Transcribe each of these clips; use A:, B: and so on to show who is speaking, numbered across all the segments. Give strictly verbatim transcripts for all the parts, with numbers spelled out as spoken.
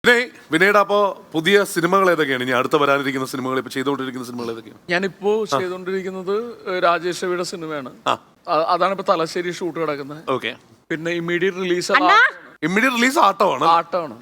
A: വിനയ് വിനയുടെ അപ്പോ പുതിയ സിനിമകൾ ഏതൊക്കെയാണ് ഇനി അടുത്ത വരാനിരിക്കുന്ന സിനിമകൾ ഇപ്പൊ ചെയ്തുകൊണ്ടിരിക്കുന്ന സിനിമകൾ ഏതൊക്കെയാണ്?
B: ഞാനിപ്പോ ചെയ്തുകൊണ്ടിരിക്കുന്നത് രാജേഷ് രവിയുടെ സിനിമയാണ്. അതാണ് ഇപ്പൊ തലശ്ശേരി ഷൂട്ട് കിടക്കുന്നത്.
A: ഓക്കെ.
B: പിന്നെ ഇമ്മീഡിയറ്റ് റിലീസ്
A: ഇമ്മീഡിയറ്റ് റിലീസ് ആട്ടമാണ്
B: ആട്ടമാണ്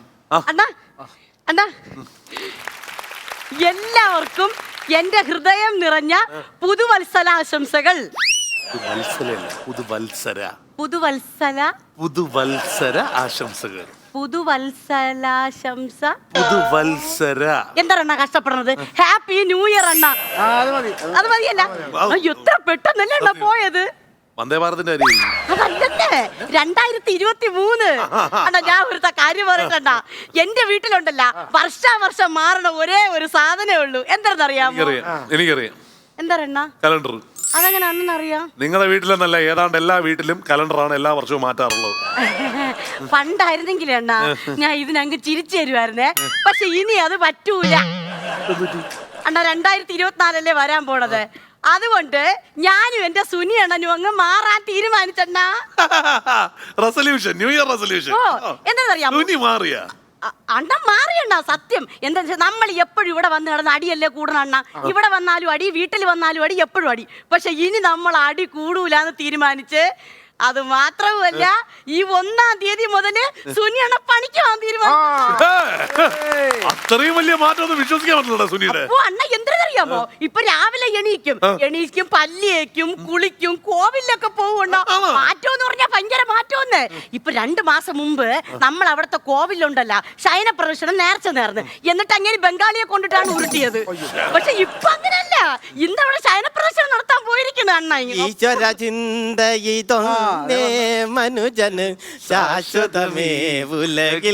C: എല്ലാവർക്കും എന്റെ ഹൃദയം നിറഞ്ഞ പുതുവത്സലാശംസകൾ.
A: പുതുവത്സര
C: പുതുവത്സല
A: പുതുവത്സര ആശംസകൾ.
C: പുതുവത്സലാശംസ
A: പുതുവത്സര
C: എന്താണ് കഷ്ടപ്പെടുന്നത്? ഹാപ്പി ന്യൂ ഇയർ അണ്ണ. അത് മതിയല്ല, എത്ര പെട്ടെന്നല്ലേ അണ്ണ പോയത്.
A: വന്ദേ ഭാരതിന്റെ അരി
C: അതല്ലേ രണ്ടായിരത്തി ഇരുപത്തി മൂന്ന് അണ്ണാ. ഞാൻ ഒരു കാര്യം പറയണ്ട, എന്റെ വീട്ടിലുണ്ടല്ല വർഷാവർഷം മാറണ ഒരേ ഒരു സാധനമേ ഉള്ളൂ. എന്താണെന്നറിയാമോ?
A: എനിക്കറിയാം.
C: എന്താ അണ്ണ?
A: കലണ്ടർ.
C: അതെങ്ങനെ അണ്ണനറിയാം?
A: നിങ്ങളുടെ വീട്ടിലെന്നല്ല, ഏതാണ്ട് എല്ലാ വീട്ടിലും കലണ്ടറാണ് എല്ലാ വർഷവും മാറ്റാറുള്ളത്.
C: പണ്ടായിരുന്നെങ്കിലേ അണ്ണ ഞാൻ ഇതിനങ്ങ് ചിരിച്ചു തരുമായിരുന്നേ. പക്ഷെ ഇനി അത് പറ്റൂല അണ്ണ. രണ്ടായിരത്തി ഇരുപത്തിനാലല്ലേ വരാൻ പോണത്. അതുകൊണ്ട് ഞാനും എന്റെ സുനി അണ്ണനും അങ്ങ് മാറാൻ തീരുമാനിച്ചണ്ണ.
A: Resolution, new year resolution.
C: എന്താണെന്നറിയാം,
A: സുനി മാറിയ
C: അണ്ണ മാറിയണ്ണ. സത്യം എന്താ വെച്ചാൽ നമ്മൾ എപ്പോഴും ഇവിടെ വന്ന് കിടന്ന് അടിയല്ലേ കൂടണം അണ്ണ. ഇവിടെ വന്നാലും അടി, വീട്ടിൽ വന്നാലും അടി, എപ്പോഴും അടി. പക്ഷെ ഇനി നമ്മൾ അടി കൂടൂലെന്ന് തീരുമാനിച്ച്. അത് മാത്രവുമല്ല, ഈ ഒന്നാം തീയതി മുതല് സുനിയണ്ണ പണിക്ക് പോകാൻ തീരുമാനിച്ചു.
A: അത്രയും വലിയ മാറ്റം വിശ്വസിക്കാൻ പറ്റില്ല സുനിയുടെ.
C: ഓ അണ്ണ എന്തിനറിയാമോ, ഇപ്പൊ രാവിലെ എണീക്കും എണീക്കും പല്ലിയേക്കും കുളിക്കും കോവിലൊക്കെ പോവുണ്ടോ. മാറ്റം എന്ന് പറഞ്ഞാൽ ഭയങ്കര മാറ്റമെന്ന്. ഇപ്പൊ രണ്ടു മാസം മുമ്പ് നമ്മൾ അവിടുത്തെ കോവിലുണ്ടല്ല ശയന പ്രദർശനം നേർച്ച നേർന്ന്, എന്നിട്ട് അങ്ങനെ ബംഗാളിയെ കൊണ്ടിട്ടാണ് ഉരുട്ടിയത്. പക്ഷെ ഇപ്പൊ അങ്ങനല്ല, ഇന്ന് അവിടെ ശയന പ്രദർശനം നടത്താൻ പോയിരിക്കുന്നു അണ്ണ.
D: ഈശ്വര ചിന്തയിതോ മനുജന് ശാശ്വതമേ ഉലകിൽ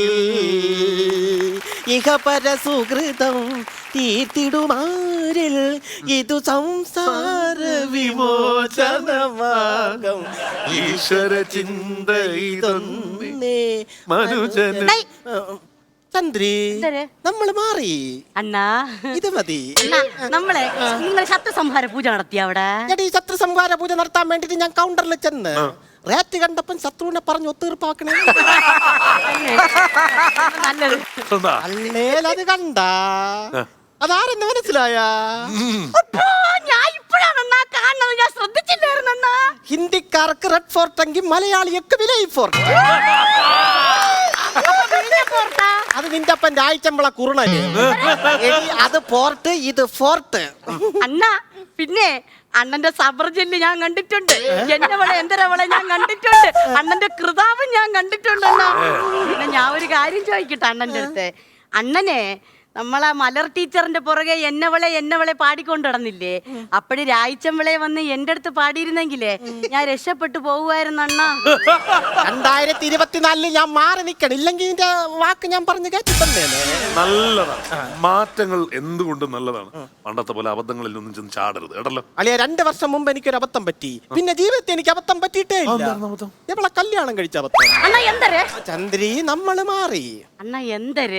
D: ഇഹപര സുഹൃതം തീർത്തിടുമാരിൽ ഇതു സംസാര വിമോചനമാകം.
A: ഈശ്വര ചിന്തയിതൊന്നേ മനുജന്.
D: ചന്ദ്രി, നമ്മള് മാറി
C: അണ്ണാ.
D: ഇത് മതി.
C: നമ്മളെ നിങ്ങൾ ശത്രുസംഹാര പൂജ നടത്തിയ അവിടെ?
D: ഈ ശത്രുസംഹാര പൂജ നടത്താൻ വേണ്ടിട്ട് ഞാൻ കൗണ്ടറിൽ ചെന്ന് റേറ്റ് കണ്ടപ്പം ശത്രുവിനെ പറഞ്ഞു ഒത്തീർപ്പാക്കണേ.
C: നല്ലത്.
D: അല്ലേലത് കണ്ട അതാരെന്ന് മനസ്സിലായ?
C: ഞാൻ ഇപ്പോഴാണ് കാണുന്നത്, ഞാൻ ശ്രദ്ധിച്ചില്ലായിരുന്നു.
D: ഹിന്ദിക്കാർക്ക് റെഡ് ഫോർട്ട് എങ്കിൽ മലയാളിയൊക്കെ വിലയി ഫോർട്ട്. അത് നിന്റെ അപ്പൻ രായിച്ചമ്പള കുറുണല്. അത് പോർട്ട്, ഇത് ഫോർട്ട്.
C: അണ്ണ പിന്നെ അണ്ണന്റെ സബർ ജെല്ല് ഞാൻ കണ്ടിട്ടുണ്ട്, എന്റെ വളെ എന്തരവളെ ഞാൻ കണ്ടിട്ടുണ്ട്, അണ്ണന്റെ കൃതാവും ഞാൻ കണ്ടിട്ടുണ്ട്. അണ്ണ പിന്നെ ഞാൻ ഒരു കാര്യം ചോദിക്കട്ടെ അണ്ണന്റെ അടുത്ത്. അണ്ണനെ നമ്മളെ മലർ ടീച്ചറിന്റെ പുറകെ എന്നവളെ എന്നവളെ പാടിക്കൊണ്ട് നടന്നില്ലേ? അപ്പഴ് രായിച്ചമ്പളെ വന്ന് എന്റെ അടുത്ത് പാടിയിരുന്നെങ്കിലേ ഞാൻ രക്ഷപ്പെട്ടു പോകുമായിരുന്നു അണ്ണ.
D: രണ്ടായിരത്തി ഇരുപത്തിനാലില് ഞാൻ മാറി നിക്കണം, ഇല്ലെങ്കിൽ നിന്റെ വാക്ക് ഞാൻ പറഞ്ഞു കേട്ടിട്ടേ.
A: നല്ലതാണ്, മാറ്റങ്ങൾ എന്തുകൊണ്ടും നല്ലതാണ്. പണ്ടത്തെ പോലെ അബദ്ധങ്ങളിൽ ഒന്നും ചെന്ന് ചാടരുത് കേട്ടല്ലോ.
D: അളിയ രണ്ട് വർഷം മുമ്പ് എനിക്കൊരു അബദ്ധം പറ്റി, പിന്നെ ജീവിതത്തിൽ എനിക്ക് അബദ്ധം പറ്റിയിട്ടേ ഇല്ല. നമ്മളെ കല്യാണം കഴിച്ച അബദ്ധം.
C: അണ്ണ എന്തര്?
D: ചന്ദ്രി, നമ്മള് മാറി
C: അണ്ണ എന്തര്?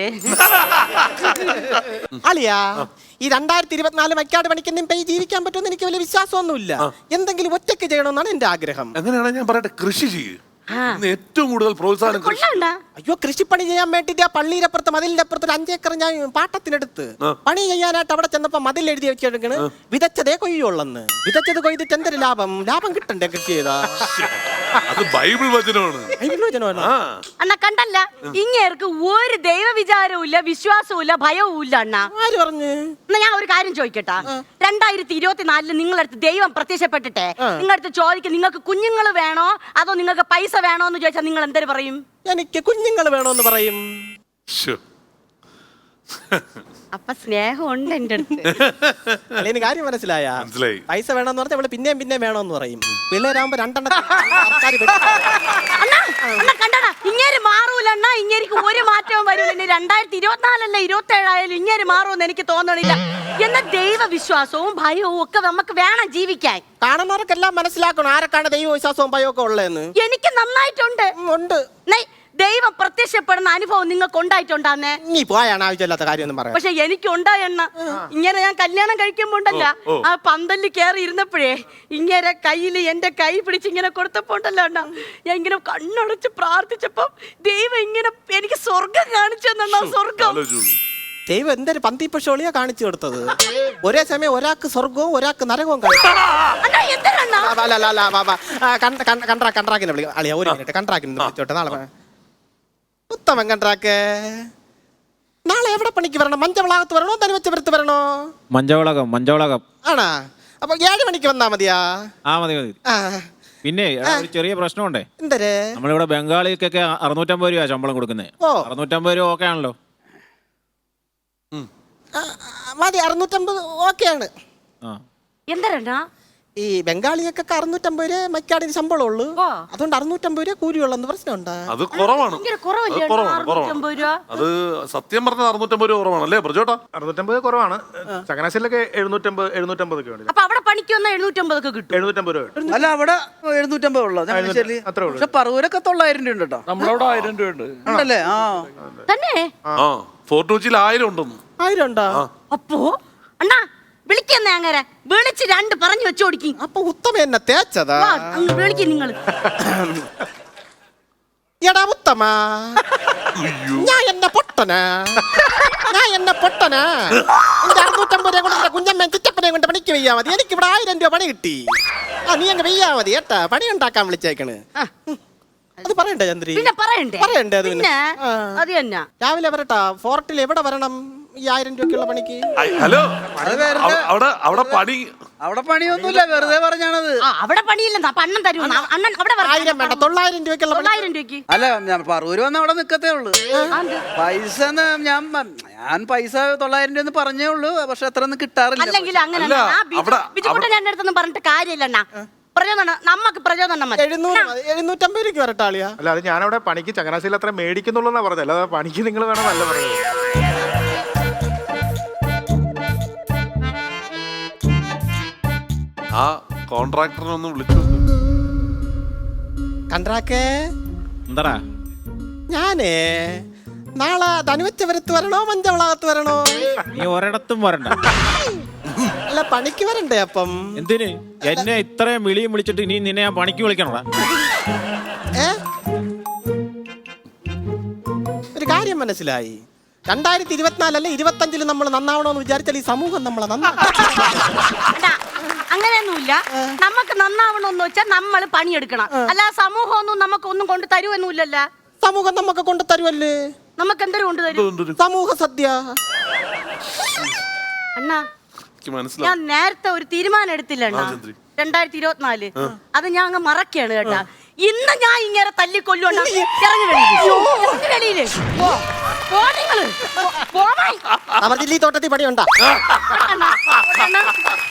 D: അളിയാ, ഈ രണ്ടായിരത്തി ഇരുപത്തിനാല് മൈക്കാട് പണിക്കെന്നും പോയി ജീവിക്കാൻ പറ്റുമെന്ന് എനിക്ക് വലിയ വിശ്വാസമൊന്നുമില്ല. എന്തെങ്കിലും ഒറ്റയ്ക്ക് ചെയ്യണമെന്നാണ് എന്റെ ആഗ്രഹം.
A: എങ്ങനെയാണ് ഞാൻ പറയട്ടെ, കൃഷി ചെയ്യ്. ഏറ്റവും കൂടുതൽ പ്രോത്സാഹനം.
D: അയ്യോ, കൃഷിപ്പണി ചെയ്യാൻ വേണ്ടിട്ട് ആ പള്ളിയിലപ്പുറത്ത് മതിലിന്റെ അപ്പുറത്ത് ഒരു അഞ്ചേക്കർ ഞാൻ പാട്ടത്തിനെടുത്ത് പണി ചെയ്യാനായിട്ട് അവിടെ ചെന്നപ്പോ മതിൽ എഴുതി വെച്ചെടുക്കണ് വിതച്ചതേ കൊയ്യുള്ളെന്ന്. വിതച്ചത് കൊയ്തിട്ട് എന്തൊരു ലാഭം? ലാഭം കിട്ടണ്ടേ കൃഷി ചെയ്താ?
A: അത് ബൈബിൾ വചനമാണ്.
C: അണ്ണ കണ്ടല്ല, ഇങ്ങേർക്ക് ഒരു ദൈവ വിചാരവും ഇല്ല, വിശ്വാസവും ഇല്ല, ഭയവും ഇല്ല. അണ്ണ
D: ആര് പറഞ്ഞു?
C: എന്നാ ഞാൻ ഒരു കാര്യം ചോദിക്കട്ടെ. രണ്ടായിരത്തി ഇരുപത്തിനാലില് നിങ്ങളടുത്ത് ദൈവം പ്രത്യക്ഷപ്പെട്ടിട്ടെ നിങ്ങളടുത്ത് ചോദിക്കും നിങ്ങൾക്ക് കുഞ്ഞുങ്ങൾ വേണോ അതോ നിങ്ങൾക്ക് പൈസ വേണോ എന്ന് ചോദിച്ചാൽ നിങ്ങൾ എന്തൊരു പറയും?
D: എനിക്ക് കുഞ്ഞുങ്ങൾ വേണോന്ന് പറയും.
C: അപ്പൊ സ്നേഹമുണ്ട് എന്റെ അടുത്ത്.
D: അല്ലെങ്കിൽ കാര്യം മനസ്സിലായ? പൈസ വേണമെന്ന് പറഞ്ഞാൽ അവള് പിന്നെയും പിന്നെയും വേണോന്ന് പറയും. പിള്ളേരാകുമ്പോ രണ്ടെണ്ണം
C: കണ്ടടാ, ഇങ്ങേര് മാറൂല അണ്ണാ. ഇങ്ങേരിക്ക് ഒരു മാറ്റവും വരൂല. ഇനി രണ്ടായിരത്തി ഇരുപത്തിനാലല്ല ഇരുപത്തി ഏഴായാലും ഇങ്ങേര് മാറുമെന്ന് എനിക്ക് തോന്നണില്ല. എന്നാൽ ദൈവവിശ്വാസവും ഭയവും ഒക്കെ നമുക്ക് വേണം ജീവിക്കാൻ.
D: കാണുന്നവർക്കെല്ലാം മനസ്സിലാക്കണം ആരൊക്കെയാണ് ദൈവവിശ്വാസവും ഭയവും ഒക്കെ ഉള്ളതെന്ന്.
C: എനിക്ക് നന്നായിട്ടുണ്ട്.
D: ഉണ്ട്.
C: ദൈവം പ്രത്യക്ഷപ്പെടുന്ന അനുഭവം നിങ്ങൾക്ക് ഉണ്ടായിട്ടുണ്ടാന്നേ?
D: നീ പോയാണ് ആവശ്യമില്ലാത്ത കാര്യമൊന്നും പറയാം.
C: പക്ഷെ എനിക്ക് ഉണ്ടായെണ്ണ. ഇങ്ങനെ ഞാൻ കല്യാണം കഴിക്കുമ്പോണ്ടല്ല, ആ പന്തലിൽ കയറി ഇരുന്നപ്പോഴേ ഇങ്ങനെ കയ്യിൽ എന്റെ കൈ പിടിച്ച് ഇങ്ങനെ കൊടുത്തപ്പോ ഉണ്ടല്ലോ അണ്ണ, ഞാൻ ഇങ്ങനെ കണ്ണടച്ച് പ്രാർത്ഥിച്ചപ്പോ ദൈവം ഇങ്ങനെ എനിക്ക് സ്വർഗം കാണിച്ചു തന്നാ. സ്വർഗം
D: ദൈവം എന്തൊരു പന്തിപ്പശോളിയാ കാണിച്ചു കൊടുത്തത്. ഒരേ സമയം ഒരാൾക്ക് സ്വർഗവും ഒരാൾക്ക് നരകവും കാണിച്ചു. കണ്ട്രാക്കിനെ വിളിക്കാം അളിയ, ഒരു മിനിറ്റ് കണ്ട്രാക്കിനെ വിളിച്ചോട്ടെ. നാളെ ഉത്തമൻ കണ്ട്രാക്ക്, നാളെ എവിടെ പണിക്ക് വരണം? മഞ്ചവളാകത്ത് വരണോ ധനുവച്ചപുരത്ത് വരണോ?
E: മഞ്ചവളകം മഞ്ചവളകം
D: ആണാ? അപ്പൊ ഏഴ് മണിക്ക് വന്നാ മതിയാ?
E: ആ മതി മതി. പിന്നെ ഒരു ചെറിയ പ്രശ്നമുണ്ടേ.
D: എന്തര്?
E: നമ്മളിവിടെ ബംഗാളിക്കൊക്കെ അറുന്നൂറ്റമ്പത് രൂപ ശമ്പളം കൊടുക്കുന്നത്.
D: ഓ,
E: അറുന്നൂറ്റമ്പത് രൂപ ഓക്കെ ആണല്ലോ?
D: മതി, അറുന്നൂറ്റമ്പത് ഓക്കെയാണ്.
C: എന്തരണ്ണാ
D: ഈ ബംഗാളിയൊക്കെ അറുന്നൂറ്റമ്പത് രൂപ മൈക്കാടിന് ശമ്പളം ഉള്ളു. അതുകൊണ്ട് അറുന്നൂറ്റമ്പത് രൂപ കൂലിയുള്ളെന്ന് പ്രശ്നമുണ്ടാ?
A: അത് കുറവാണ്. അത് സത്യം പറഞ്ഞത് അറുന്നൂറ്റമ്പത് രൂപ കുറവാണ് അല്ലേ പ്രജോട്ടാ?
F: അറുന്നൂറ്റമ്പത് കുറവാണ്. ചങ്ങനാശ്ശേരിയിലൊക്കെ എഴുന്നൂറ്റമ്പത് എഴുന്നൂറ്റമ്പതൊക്കെ ഉണ്ട്.
C: അപ്പൊ അവിടെ പണിക്ക് വന്ന എഴുന്നൂറ്റമ്പതൊക്കെ കിട്ടും.
F: എഴുന്നൂറ്റമ്പത് രൂപ.
G: അല്ല, അവിടെ എഴുന്നൂറ്റമ്പത് ഉള്ളത്.
F: അത്രേ ഉള്ളൂ.
G: പക്ഷെ പറവൂരൊക്കെ തൊള്ളായിരം രൂപ ഉണ്ട് കേട്ടോ.
B: നമ്മളവിടെ ആയിരം രൂപ ഉണ്ട്.
G: ഉണ്ടല്ലേ? ആ
C: തന്നെ.
A: ആ ഫോർട്ട് കൊച്ചിയിൽ ആയിരം ഉണ്ടെന്ന്.
D: ആയിരം ഉണ്ടോ?
C: അപ്പോ അണ്ണാ വിളിക്കുന്നേ, അങ്ങനെ വിളിച്ച് രണ്ട് പറഞ്ഞു വെച്ചോടിക്കും.
D: അപ്പൊ ഉത്തമ എന്നെ തേച്ചതാ?
C: വിളിക്കും നിങ്ങൾ.
D: എടാ ഉത്തമ, ഞാൻ എന്നെ പൊട്ടനാ, ഞാൻ എന്നെ പൊട്ടനാ. എന്റെ അറുന്നൂറ്റമ്പത് രൂപ കൊണ്ട് കുഞ്ഞമ്മ ചിറ്റപ്പനെ കൊണ്ട് പണിക്ക് വെയ്യാ മതി. എനിക്ക് ഇവിടെ ആയിരം രൂപ പണി കിട്ടി. ആ നീ അങ്ങ് വെയ്യാ മതി കേട്ടാ. പണി ഉണ്ടാക്കാൻ വിളിച്ചേക്കണ്. അത് പറയണ്ടേ ചന്ദ്രി?
C: പിന്നെ പറയണ്ടേ?
D: പറയണ്ടേ അത്?
C: പിന്നെ അത് തന്നെ.
D: രാവിലെ വരട്ടാ. ഫോർട്ടിൽ എവിടെ വരണം ഈ ആയിരം രൂപയ്ക്കുള്ള പണിക്ക്?
A: ഹലോ, അവിടെ അവിടെ പണി
G: അവിടെ പണിയൊന്നുമില്ല, വെറുതെ പറഞ്ഞാണത്.
C: ആ, അവിടെ പണിയില്ലെന്നാ അണ്ണൻ തരൂ. അണ്ണൻ അവിടെ പറ.
D: ആയിരം വേണ്ട, തൊള്ളായിരം രൂപയ്ക്കുള്ള പണി.
C: തൊള്ളായിരം രൂപയ്ക്ക്.
G: അല്ല, ഞാൻ പറവൂര് വന്ന അവിടെ നിക്കത്തേ ഉള്ളു. പൈസ ഞാൻ ഞാൻ പൈസ തൊള്ളായിരം രൂപ പറഞ്ഞേ ഉള്ളൂ. പക്ഷെ അത്ര ഒന്നും കിട്ടാറില്ല.
C: അല്ലെങ്കിൽ അങ്ങനെ ബിജുക്കുട്ടൻ എന്റെ അടുത്തൊന്നും പറഞ്ഞിട്ട് കാര്യമില്ല. പ്രചോദനം നമുക്ക് പ്രചോദനം മതി.
D: എഴുന്നൂറ് എഴുന്നൂറ്റമ്പത് രൂപയ്ക്ക് വരട്ടാളിയാ?
F: അല്ല, അത് ഞാനവിടെ പണിക്ക് ചങ്ങനാശ്ശേരിയിൽ അത്ര മേടിക്കുന്നുള്ളൂ പറഞ്ഞത്. അല്ലാതെ പണിക്ക് നിങ്ങൾ വേണം നല്ല പറയുന്നത്.
A: ആ കോൺട്രാക്ടറിനെ ഒന്ന് വിളിച്ചു.
D: കണ്ട്രാക്കേ,
E: എന്താ
D: ഞാനേ നാളെ ധനുവച്ചപുരത്ത് വരണോ മഞ്ചവളാകത്ത് വരണോ?
E: നീ ഒരിടത്തും വരണ്ട.
D: അല്ല, പണിക്ക് വരണ്ടേ? അപ്പം
E: എന്തിന് എന്നെ ഇത്രയും വിളിയും വിളിച്ചിട്ട് ഇനി നിന്നെ ഞാൻ പണിക്ക് വിളിക്കണോടാ?
D: ഏ ഒരു കാര്യം മനസ്സിലായി. രണ്ടായിരത്തി ഇരുപത്തിനാലല്ലേ ഇരുപത്തഞ്ചില് നമ്മൾ നന്നാവണോന്ന് വിചാരിച്ചാൽ ഈ സമൂഹം നമ്മളെ നന്നാ.
C: അങ്ങനെയൊന്നുമില്ല. നമുക്ക് നന്നാവണമെന്ന് വെച്ചാൽ നമ്മൾ പണിയെടുക്കണം. അല്ല സമൂഹം ഒന്നും നമുക്ക് ഒന്നും കൊണ്ട് തരുവൊന്നുമില്ലല്ലോ.
D: സമൂഹം നമുക്ക് കൊണ്ട് തരുമല്ലേ?
C: നമുക്ക് എന്തൊരു കൊണ്ട് തരും?
D: സമൂഹ സദ്യ.
C: അണ്ണാ, ഞാൻ നേരത്തെ ഒരു തീരുമാനം എടുത്തില്ല അണ്ണാ. രണ്ടായിരത്തി ഇരുപത്തിനാല് അത് ഞാൻ അങ്ങ് മറക്കാണ് കേട്ടാ. ഇന്ന് ഞാൻ ഇങ്ങനെ തല്ലിക്കൊല്ലുണ്ടാ. ഇറങ്ങി വെളിയില് പോ നിങ്ങള്.
D: തോട്ടത്തിൽ പണിയുണ്ടാ?